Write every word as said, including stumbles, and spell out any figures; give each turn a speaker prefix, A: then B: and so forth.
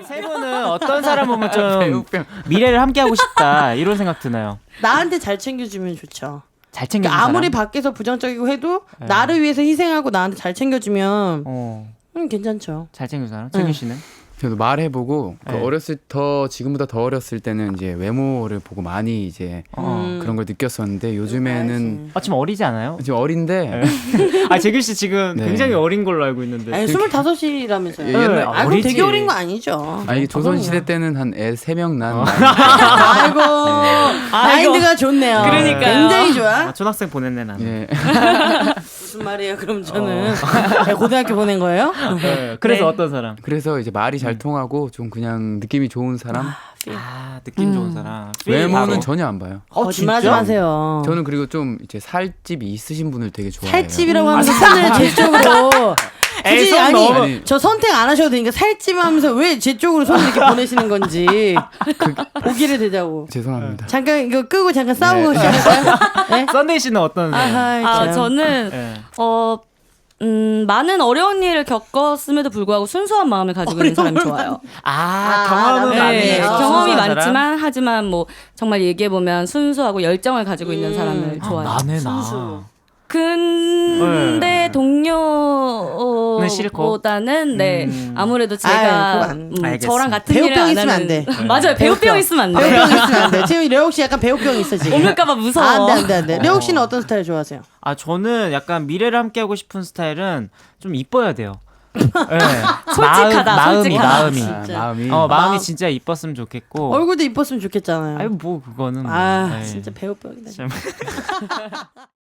A: 세 분은 어떤 사람 보면 좀 미래를 함께하고 싶다 이런 생각 드나요?
B: 나한테 잘 챙겨주면 좋죠.
A: 잘 챙겨주는
B: 그러니까 아무리
A: 사람?
B: 밖에서 부정적이고 해도
A: 네.
B: 나를 위해서 희생하고 나한테 잘 챙겨주면
A: 어,
B: 음, 괜찮죠.
A: 잘 챙겨주는 사람? 최균 씨는?
C: 저도 말해보고 그
A: 네.
C: 어렸을 더 지금보다 더 어렸을 때는 이제 외모를 보고 많이 이제
A: 어.
C: 그런 걸 느꼈었는데 요즘에는
A: 아, 지금 어리지 않아요?
C: 지금 어린데
A: 아, 재균 씨 지금
C: 네.
A: 굉장히 어린 걸로 알고 있는데.
B: 아니 스물다섯이라면서요.
C: 예, 옛날-
B: 아, 그럼
A: 어리지.
B: 되게 어린 거 아니죠.
C: 아 이게 조선 시대 때는 한 애 세 명 난.
B: 아이고 마인드가 좋네요.
D: 그러니까요.
B: 굉장히 좋아.
A: 아, 초등학생 보냈네 나는.
C: 예.
B: 무슨 말이에요? 그럼 저는 네, 고등학교 보낸 거예요?
A: 네, 그래서
D: 네.
A: 어떤 사람?
C: 그래서 이제 말이 잘 통하고 좀 그냥 느낌이 좋은 사람.
A: 아, 느낌 좋은 사람.
C: 외모는
A: 바로.
C: 전혀 안 봐요.
A: 어,
B: 거짓말하지
A: 진짜?
B: 마세요.
C: 저는 그리고 좀 이제 살집이 있으신 분을 되게 좋아해요.
B: 살집이라고 하면서 손을 제 쪽으로
A: 에이,
B: 굳이
A: 손
B: 아니
A: 너무-
B: 저 선택 안 하셔도 되니까 살집 하면서 왜 제 쪽으로 손을 이렇게 보내시는 건지 보기를 되자고.
C: 죄송합니다.
B: 잠깐 이거 끄고 잠깐 싸우고 시작할까요? 네?
A: 썬데이 씨는 어떤 사람?
B: 아하,
D: 아,
B: 참.
D: 저는
A: 네.
D: 어 음, 많은 어려운 일을 겪었음에도 불구하고 순수한 마음을 가지고 있는 사람이 좋아요.
A: 아,
B: 아,
A: 경험은
B: 네,
A: 많네요.
D: 네,
B: 아,
D: 경험이
A: 순수한 사람?
D: 많지만 하지만 뭐 정말 얘기해 보면 순수하고 열정을 가지고 있는
B: 음.
D: 사람을
A: 아,
D: 좋아해요.
A: 나네
B: 순수.
A: 나.
D: 근데
A: 네.
D: 동료보다는
A: 싫고?
D: 네
A: 음.
D: 아무래도
B: 아유,
D: 제가
B: 그거 안-
D: 음,
A: 알겠습니다.
D: 저랑 같은
B: 배우병
D: 일을 안
B: 있으면
D: 하는
B: 안 돼.
D: 맞아요 배우병
B: 배우병.
D: 있으면 안 돼.
B: 배우병 있으면 안 돼. 지금 려욱 씨 약간 배우병 있어 지금.
D: 옮을까봐 무서워.
B: 아, 안 돼, 안 돼, 안 돼. 려욱 씨는 어떤 스타일 좋아하세요?
A: 아, 저는 약간 미래를 함께하고 싶은 스타일은 좀 이뻐야 돼요. 네.
D: 솔직하다,
A: 마음, 마음이,
D: 솔직하다.
A: 마음이.
C: 아,
B: 진짜.
C: 마음이.
A: 어, 마음이
B: 마음.
A: 진짜 이뻤으면 좋겠고.
B: 얼굴도 이뻤으면 좋겠잖아요.
A: 아니, 뭐, 그거는. 뭐.
B: 아,
A: 네.
B: 진짜 배우병이다.
A: 참.